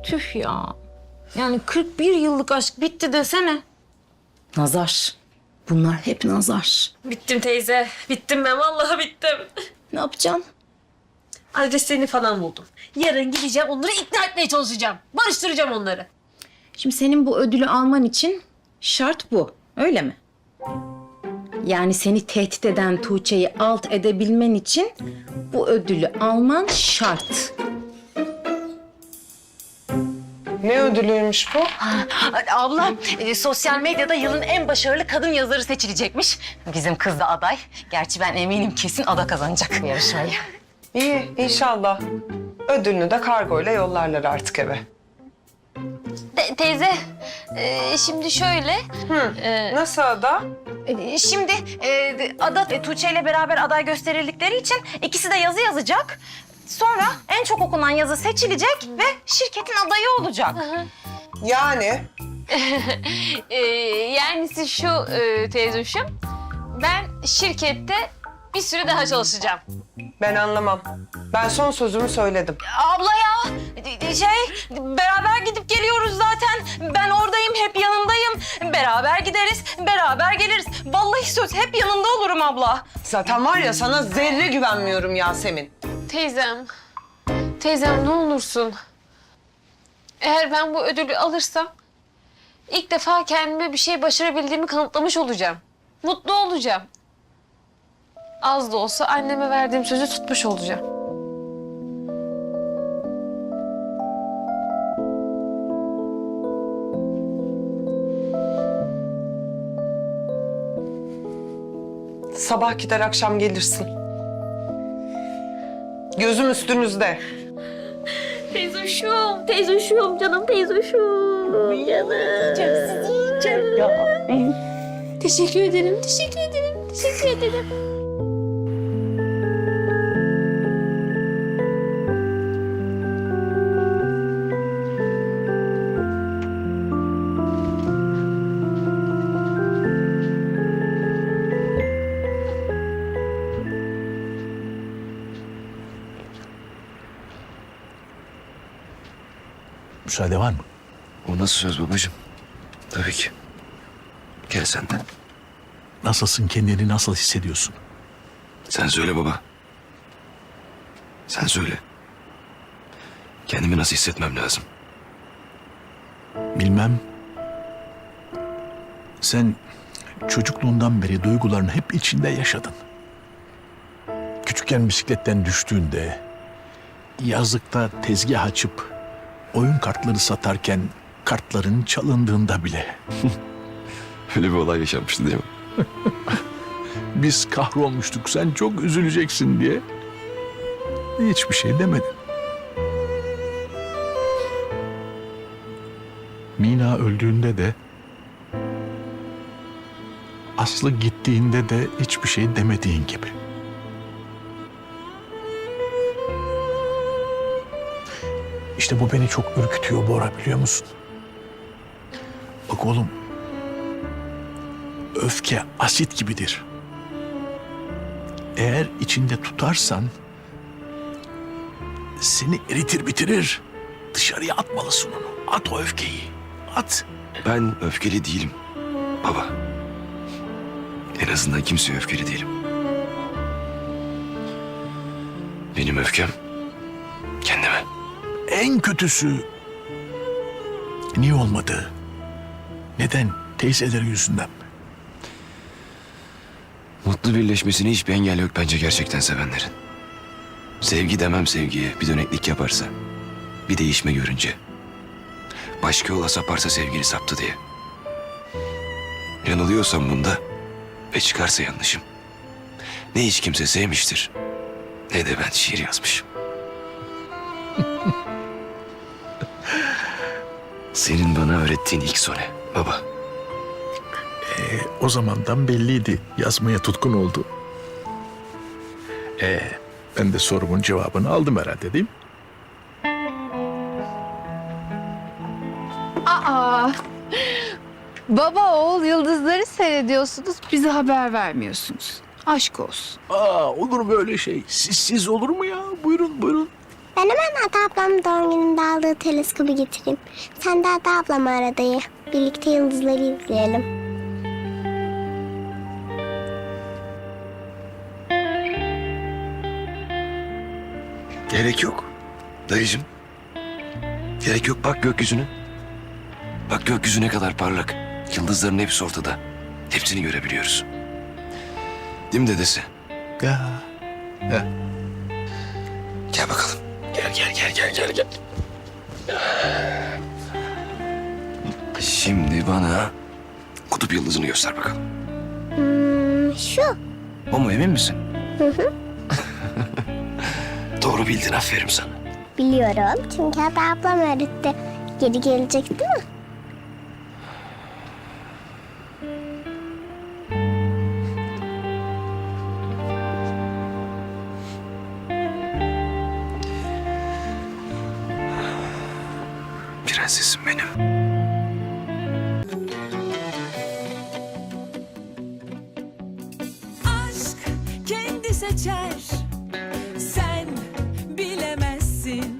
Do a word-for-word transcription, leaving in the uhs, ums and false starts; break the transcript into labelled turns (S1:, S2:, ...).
S1: Tüh ya. Yani kırk bir yıllık aşk bitti desene.
S2: Nazar. Bunlar hep nazar.
S3: Bittim teyze. Bittim ben. Vallahi bittim.
S2: Ne yapacaksın?
S3: Adreslerini falan buldum. Yarın gideceğim onları ikna etmeye çalışacağım. Barıştıracağım onları.
S2: Şimdi senin bu ödülü alman için şart bu. Öyle mi? Yani seni tehdit eden Tuğçe'yi alt edebilmen için bu ödülü alman şart.
S4: Ne ödülüymüş bu?
S2: Abla, e, sosyal medyada yılın en başarılı kadın yazarı seçilecekmiş. Bizim kız da aday. Gerçi ben eminim kesin Ada kazanacak bu yarışmayı.
S4: İyi, inşallah. Ödülünü de kargoyla yollarlar artık eve.
S3: Te- teyze, e, şimdi şöyle. e,
S4: Nasıl Ada?
S2: E, Şimdi e, Ada e, Tuğçe ile beraber aday gösterildikleri için ikisi de yazı yazacak. Sonra en çok okunan yazı seçilecek ve şirketin adayı olacak.
S4: Yani
S3: e, yani siz şu e, teyzuşum, ben şirkette bir süre daha çalışacağım.
S4: ben anlamam. Ben son sözümü söyledim.
S2: Abla ya, e, şey beraber gidip geliyoruz zaten. Ben oradayım, hep yanındayım. Beraber gideriz, beraber geliriz. Vallahi söz hep yanında olurum abla.
S4: Zaten var ya sana zerre güvenmiyorum Yasemin.
S3: Teyzem, teyzem ne olursun. Eğer ben bu ödülü alırsam ilk defa kendime bir şey başarabildiğimi kanıtlamış olacağım. Mutlu olacağım. Az da olsa anneme verdiğim sözü tutmuş olacağım.
S4: Sabah gider akşam gelirsin. Gözüm üstünüzde.
S3: Teyzoşum, teyzoşum, canım teyzoşum. Canım. Teşekkür ederim, teşekkür ederim, teşekkür ederim.
S5: Müsaade var mı?
S6: O nasıl söz babacığım? Tabii ki. Gel sen de.
S5: Nasılsın, kendini nasıl hissediyorsun?
S6: Sen söyle baba. Sen söyle. Kendimi nasıl hissetmem lazım?
S5: Bilmem. Sen çocukluğundan beri duygularını hep içinde yaşadın. Küçükken bisikletten düştüğünde, yazlıkta tezgah açıp oyun kartları satarken kartların çalındığında bile
S6: Öyle bir olay yaşanmıştı değil mi?
S5: biz kahrolmuştuk, sen çok üzüleceksin diye hiçbir şey demedin. Mina öldüğünde de, Aslı gittiğinde de hiçbir şey demediğin gibi. İşte bu beni çok ürkütüyor Bora, biliyor musun? Bak oğlum, öfke asit gibidir. Eğer içinde tutarsan seni eritir bitirir. Dışarıya atmalısın onu. At o öfkeyi. At.
S6: Ben öfkeli değilim baba. En azından kimseye öfkeli değilim. Benim öfkem kendime.
S5: En kötüsü niye olmadı? Neden? Teyzeleri yüzünden mi?
S6: Mutlu birleşmesine hiçbir engel yok bence gerçekten sevenlerin. Sevgi demem sevgiye bir döneklik yaparsa, bir değişme görünce. Başka yola saparsa sevgili saptı diye. Yanılıyorsam bunda ve çıkarsa yanlışım. Ne hiç kimse sevmiştir, ne de ben şiir yazmışım. Senin bana öğrettiğin ilk sone baba.
S5: E, o zamandan belliydi. Yazmaya tutkun oldu. E, ben de sorumun cevabını aldım herhalde, değil mi?
S7: Aa, baba oğul yıldızları seyrediyorsunuz, bize haber vermiyorsunuz. Aşk olsun.
S5: Aa, olur mu öyle şey? Sizsiz olur mu ya? Buyurun, buyurun.
S8: Ben hemen Ada ablamın doğum gününde aldığı teleskobu getireyim. Sen de Ada ablamı ara dayı. Birlikte yıldızları izleyelim.
S6: Gerek yok. Dayıcığım. Gerek yok. Bak gökyüzüne. Bak gökyüzü ne kadar parlak. Yıldızların hepsi ortada. Hepsini görebiliyoruz. Değil mi dedesi?
S5: Ya.
S6: Gel bakalım. Gel gel gel gel gel gel. Şimdi bana kutup yıldızını göster bakalım.
S8: Hmm, şu.
S6: O mu, emin misin? Hı hı. Doğru bildin, aferin sana.
S8: Biliyorum çünkü Ada ablam öğretti. Geri gelecek değil mi?
S6: Prensesim benim.
S9: aşk kendi seçer